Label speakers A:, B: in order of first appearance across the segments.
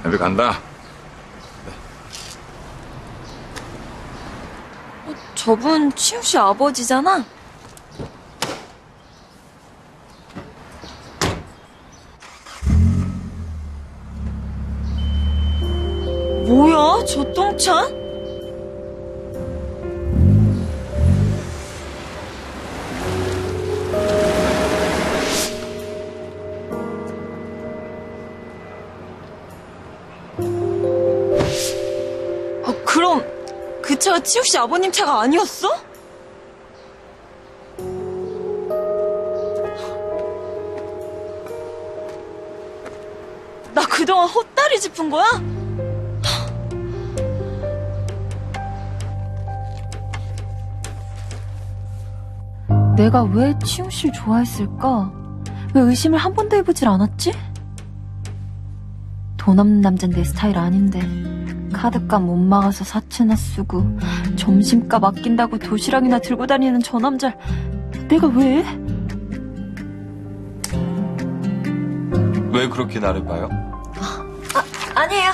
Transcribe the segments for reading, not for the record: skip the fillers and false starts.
A: 우리 간다.
B: 저분 치우 씨 아버지잖아? 뭐야, 저 똥찬? 그럼 그 차가 치우 씨 아버님 차가 아니었어? 나 그동안 헛다리 짚은 거야? 내가 왜 치웅 씨를 좋아했을까? 왜 의심을 한 번도 해보질 않았지? 돈 없는 남잔 내 스타일 아닌데 카드값 못 막아서 사채나 쓰고 점심값 아낀다고 도시락이나 들고 다니는 저 남자 내가 왜?
A: 왜 그렇게 나를 봐요?
B: 아니에요.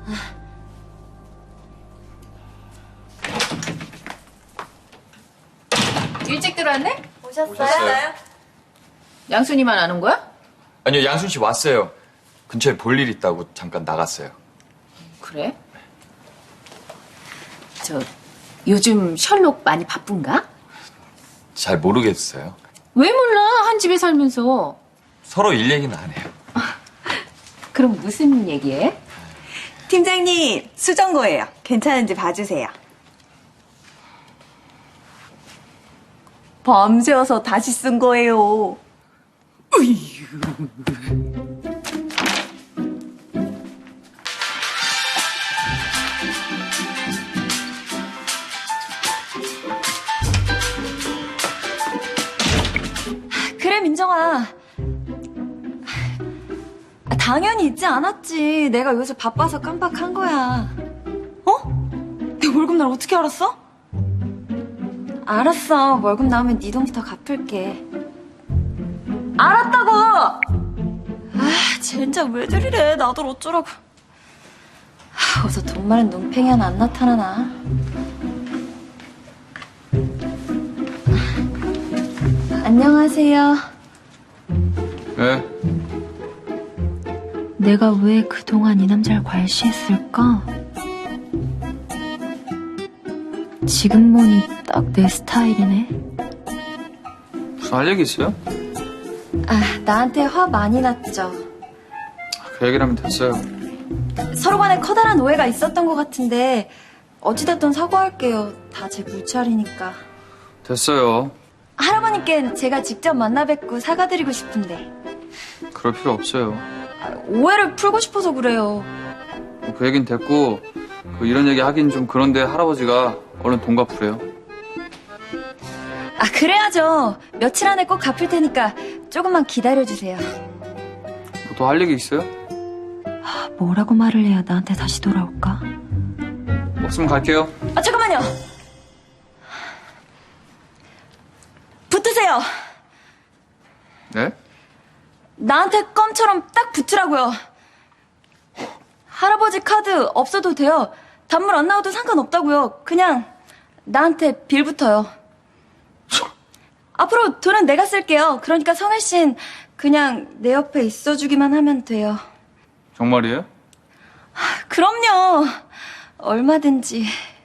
C: 일찍 들어왔네?
B: 오셨어요?
C: 양순이만 아는 거야?
A: 아니요, 양순 씨 왔어요. 근처에 볼 일 있다고 잠깐 나갔어요.
C: 그래? 저 요즘 셜록 많이 바쁜가?
A: 잘 모르겠어요.
C: 왜 몰라? 한 집에 살면서.
A: 서로 일 얘기는 안 해요.
C: 그럼 무슨 얘기해?
D: 팀장님, 수정거예요. 괜찮은지 봐주세요. 밤새워서 다시 쓴 거예요.
B: 그래, 민정아. 당연히 있지 않았지. 내가 요새 바빠서 깜빡한 거야. 어? 내 월급날 어떻게 알았어? 알았어. 월급 나오면 네 돈부터 갚을게. 알았다고! 진짜 왜 저리래. 나도 어쩌라고. 어서 돈 많은 눈팽이 하나 안 나타나나. 안녕하세요.
A: 네?
B: 내가 왜 그동안 이 남자를 과시했을까? 지금 보니 딱 내 스타일이네.
E: 무슨 할 얘기 있어요?
B: 나한테 화 많이 났죠.
E: 그 얘기를 하면 됐어요.
B: 서로 간에 커다란 오해가 있었던 것 같은데 어찌됐든 사과할게요. 다 제 물차리니까.
E: 됐어요.
B: 할아버님께 제가 직접 만나 뵙고 사과드리고 싶은데
E: 그럴 필요 없어요.
B: 오해를 풀고 싶어서 그래요.
E: 그 얘긴 됐고 이런 얘기 하긴 좀 그런데 할아버지가 얼른 돈 갚으래요.
B: 그래야죠. 며칠 안에 꼭 갚을 테니까 조금만 기다려주세요.
E: 더 할 얘기 있어요?
B: 뭐라고 말을 해야 나한테 다시 돌아올까?
E: 없으면 갈게요.
B: 잠깐만요. 붙으세요.
E: 네?
B: 나한테 껌처럼 딱 붙으라고요. 할아버지 카드 없어도 돼요. 단물 안 나와도 상관없다고요. 그냥 나한테 빌붙어요. 앞으로 돈은 내가 쓸게요. 그러니까 성일 씨는 그냥 내 옆에 있어주기만 하면 돼요.
E: 정말이에요?
B: 그럼요. 얼마든지.